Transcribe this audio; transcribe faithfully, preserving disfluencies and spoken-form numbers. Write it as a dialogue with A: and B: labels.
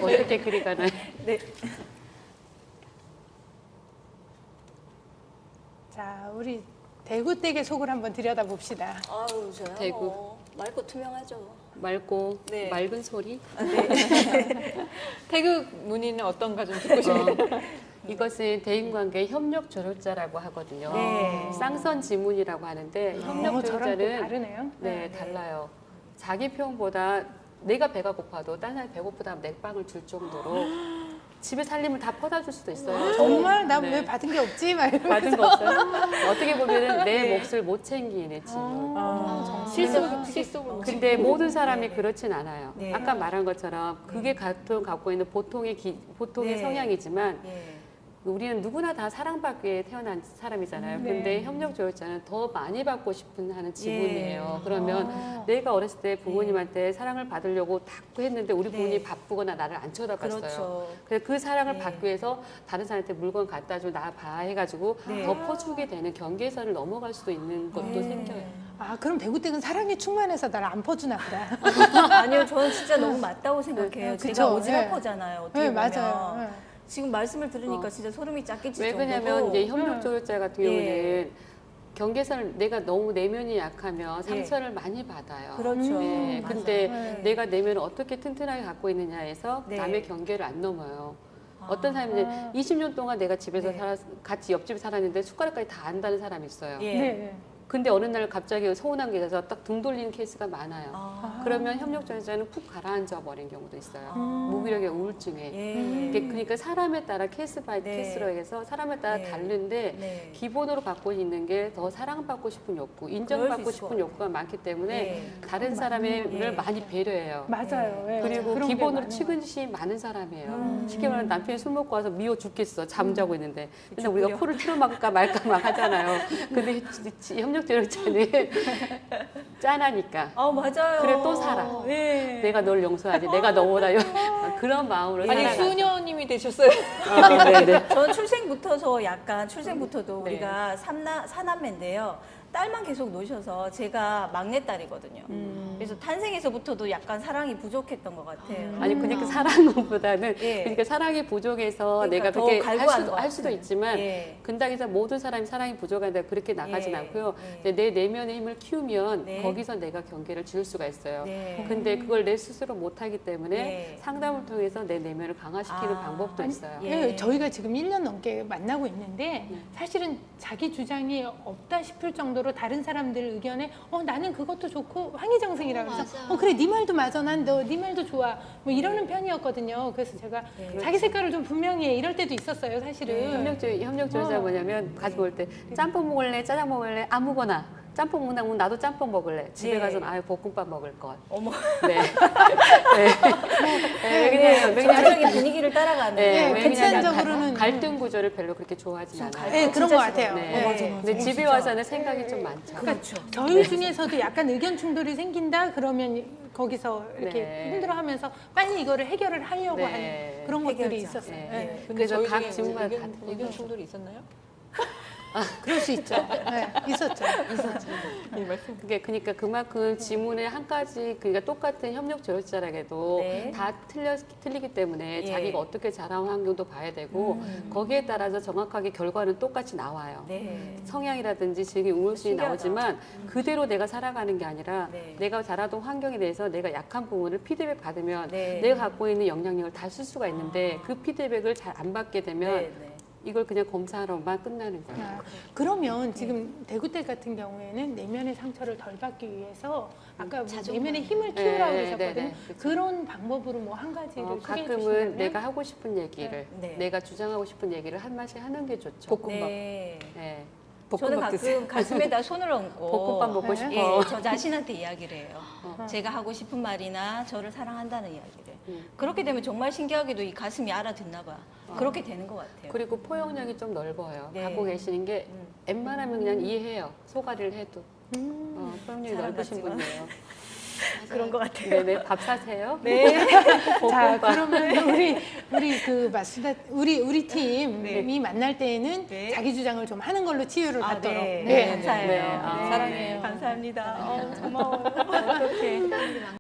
A: 어떻게 그리 가나요?
B: 네.
C: 자, 우리 대구댁의 속을 한번 들여다봅시다.
B: 아유, 저야
A: 대구.
B: 뭐 맑고 투명하죠.
A: 맑고
B: 네.
A: 맑은 소리.
D: 태극 문의는 어떤가 좀 듣고 싶어요.
A: 어, 이것은 대인관계 협력 조력자라고 하거든요.
B: 네.
A: 쌍선 지문이라고 하는데 협력
C: 어, 저랑 또
A: 조력자는
C: 다르네요.
A: 네,
B: 네.
A: 달라요. 자기 표현보다 내가 배가 고파도 다른 사람이 배고프다 하면 냉빵을 줄 정도로 집에 살림을 다 퍼다 줄 수도 있어요.
C: 정말 나 왜
A: 네.
C: 받은 게 없지? 막 이러면서.
A: 받은 거 없어요? 어떻게 보면 내 몫을 못 챙기는 지문.
C: 아,
D: 실속, 실속으로.
A: 근데 모든 사람이
B: 네.
A: 그렇진 않아요.
B: 네.
A: 아까 말한 것처럼 그게 갖고, 갖고 있는 보통의, 기, 보통의
B: 네.
A: 성향이지만
B: 예.
A: 우리는 누구나 다 사랑받기 위해 태어난 사람이잖아요.
C: 네.
A: 근데 협력조력자는 더 많이 받고 싶은 하는 지문이에요.
B: 예.
A: 그러면
C: 아.
A: 내가 어렸을 때 부모님한테 사랑을 받으려고 탁구 했는데 우리
B: 네.
A: 부모님이 바쁘거나 나를 안 쳐다봤어요.
B: 그렇죠.
A: 그래서 그 사랑을
B: 네.
A: 받기 위해서 다른 사람한테 물건 갖다 줘, 나 봐 해가지고
B: 네.
A: 더 퍼주게 되는 경계선을 넘어갈 수도 있는 것도
B: 네.
A: 생겨요.
C: 아, 그럼 대구댁은 사랑이 충만해서 날 안 퍼주나 보다.
B: 아니요, 저는 진짜 너무 맞다고 생각해요.
C: 네, 그쵸.
B: 제가 오지랖퍼잖아요. 어떻게
C: 네,
B: 보면.
C: 맞아요. 네.
B: 지금 말씀을 들으니까
A: 어.
B: 진짜 소름이 쫙 끼칠
A: 왜
B: 정도고.
A: 그러냐면 이제 협력조력자 같은
B: 예.
A: 경우는 경계선을 내가 너무 내면이 약하면 상처를 많이 받아요.
B: 그렇죠.
A: 네,
B: 맞아요.
A: 근데
C: 네.
A: 내가 내면을 어떻게 튼튼하게 갖고 있느냐에서
B: 네.
A: 남의 경계를 안 넘어요.
B: 아.
A: 어떤 사람은 이제 이십 년 동안 내가 집에서
B: 네.
A: 살았, 같이 옆집에 살았는데 숟가락까지 다 안다는 사람이 있어요.
B: 예.
C: 네.
A: 근데 어느 날 갑자기 서운한 게 있어서 딱 등 돌리는 케이스가 많아요.
B: 아.
A: 그러면 협력조력자는 푹 가라앉아 버린 경우도 있어요.
B: 음.
A: 무기력의 우울증에.
B: 예.
A: 이게 그러니까 사람에 따라 케이스 바이
B: 네.
A: 케이스로 해서 사람에 따라
B: 네.
A: 다른데
B: 네.
A: 기본으로 갖고 있는 게 더 사랑받고 싶은 욕구,
B: 그럴
A: 인정받고
B: 수 있을 것
A: 싶은 욕구가 많기 때문에
B: 네.
A: 다른 사람을
B: 예.
A: 많이 배려해요.
C: 맞아요. 예.
A: 그리고
C: 그런 게
A: 기본으로
C: 많은
A: 측은시 많은 사람이에요.
B: 음.
A: 쉽게 말하면 남편이 술 먹고 와서 미워 죽겠어. 잠자고 있는데. 근데
B: 죽으려.
A: 우리가 코를 틀어막을까 말까 막 하잖아요. 근데 협력조력자는 짠하니까.
B: 아, 맞아요.
A: 그래, 또 살아.
B: 예.
A: 내가 널 용서하지. 내가 너보다 용... 그런 마음으로
D: 아니
A: 살아가죠.
D: 수녀님이 되셨어요.
A: 아, 네네.
B: 저는 출생부터서 약간 출생부터도
A: 네.
B: 우리가 삼나 사남매인데요. 딸만 계속 놓으셔서 제가 막내딸이거든요.
A: 음.
B: 그래서 탄생에서부터도 약간 사랑이 부족했던 것 같아요.
A: 아니 그러니까 사랑보다는
B: 예.
A: 그러니까 사랑이 부족해서
B: 그러니까
A: 내가
B: 더
A: 그렇게 할
B: 갈구하는
A: 수도,
B: 것
A: 할 수도
B: 같아요.
A: 있지만
B: 예.
A: 근당에서 모든 사람이 사랑이 부족한데 그렇게 나가진
B: 예.
A: 않고요.
B: 예.
A: 이제 내 내면의 힘을 키우면
B: 네.
A: 거기서 내가 경계를 지을 수가 있어요.
B: 네.
A: 근데 그걸 내 스스로 못하기 때문에
B: 네.
A: 상담을 통해서 내 내면을 강화시키는
B: 아.
A: 방법도 있어요.
B: 예.
C: 예, 저희가 지금 일 년 넘게 만나고 있는데
A: 네.
C: 사실은 자기 주장이 없다 싶을 정도로 다른 사람들 의견에 어 나는 그것도 좋고 황희정승이라 그래서
E: 맞아.
C: 어 그래 네 말도 맞아 난 너 네 말도 좋아 뭐 이러는 편이었거든요. 그래서 제가
B: 네.
C: 자기 색깔을 좀 분명히 해 이럴 때도 있었어요 사실은.
A: 협력주의, 협력주의자
C: 어.
A: 뭐냐면 가지 먹을 때 짬뽕 먹을래, 짜장 먹을래, 아무거나. 짬뽕 먹는다면 나도 짬뽕 먹을래. 집에
B: 예.
A: 가서는 아유 볶음밥 먹을 것.
B: 어머,
A: 네. 네. 네. 왜냐면 왜냐면
B: 전체적인 분위기를 따라가는.
A: 네,
C: 예,
A: 왜냐면
C: 객관적으로는
A: 갈등 구조를 별로 그렇게 좋아하진 않아요.
C: 예, 그런
B: 진짜
C: 것 같아요.
B: 싫어요.
A: 네.
C: 예.
B: 맞아, 맞아.
A: 근데 집에
B: 진짜.
A: 와서는 생각이 좀 많죠.
B: 그렇죠.
C: 저희 중에서도 약간 의견 충돌이 생긴다 그러면 거기서 이렇게
A: 네.
C: 힘들어하면서 빨리 이거를 해결을 하려고
A: 네.
C: 하는 그런 것들이
B: 해결자.
C: 있었어요.
A: 네.
C: 예.
D: 근데
A: 그래서
D: 저희
A: 각
D: 중에
A: 질문마다 다
D: 의견,
A: 틀리고.
D: 의견 충돌이 있었나요?
C: 그럴 수 있죠. 네, 있었죠. 있었죠.
D: 이 말씀.
A: 그게 그러니까 그만큼 지문의 한 가지 그러니까 똑같은 협력 조력자라게도
B: 네.
A: 다 틀려 틀리기 때문에
B: 예.
A: 자기가 어떻게 자라온 환경도 봐야 되고
B: 음.
A: 거기에 따라서 정확하게 결과는 똑같이 나와요.
B: 네.
A: 성향이라든지 즐기 우울증이
B: 신기하다.
A: 나오지만 그대로 내가 살아가는 게 아니라
B: 네.
A: 내가 자라던 환경에 대해서 내가 약한 부분을 피드백 받으면
B: 네.
A: 내가 갖고 있는 영향력을 다 쓸 수가 있는데 그 피드백을 잘 안 받게 되면
B: 네, 네.
A: 이걸 그냥 검사하러만 끝나는 거예요.
C: 아, 그러면 지금 대구댁 같은 경우에는 내면의 상처를 덜 받기 위해서 아까 뭐
E: 자존감.
C: 내면의 힘을 키우라고
A: 네,
C: 그러셨거든요.
A: 네, 네, 그쵸.
C: 그런 방법으로 뭐 한 가지를
A: 어,
C: 소개해
A: 가끔은
C: 주시면
A: 내가 하고 싶은 얘기를
B: 네.
A: 내가 주장하고 싶은 얘기를 한 마씩 하는 게 좋죠.
D: 볶음밥.
B: 네.
A: 네.
B: 저는
D: 볶음밥 드세요.
B: 가끔 가슴에다 손을 얹고
A: 볶음밥 먹고
C: 네.
A: 싶어.
B: 예, 저 자신한테 이야기를 해요.
A: 어.
B: 제가 하고 싶은 말이나 저를 사랑한다는 이야기를.
A: 음.
B: 그렇게 되면 정말 신기하게도 이 가슴이 알아듣나 봐. 그렇게 되는 것 같아요.
A: 그리고 포용력이 좀 넓어요.
B: 네.
A: 갖고 계시는 게
B: 음.
A: 웬만하면 그냥 이해해요. 소가리를 해도.
C: 음.
A: 어, 포용력이
B: 사람
A: 넓으신
B: 같지만.
A: 분이에요.
B: 그런 것 같아요.
A: 네네, 밥 사세요.
B: 네.
C: 자,
A: 볶음밥.
C: 그러면 우리 우리 그 마스다 우리 우리 팀이
B: 네.
C: 만날 때에는
B: 네.
C: 자기 주장을 좀 하는 걸로 치유를
B: 아,
C: 받도록.
B: 네.
C: 네.
B: 감사해요.
A: 네. 아,
B: 네.
D: 사랑해요.
B: 감사합니다. 어, 고마워요. 어떡해.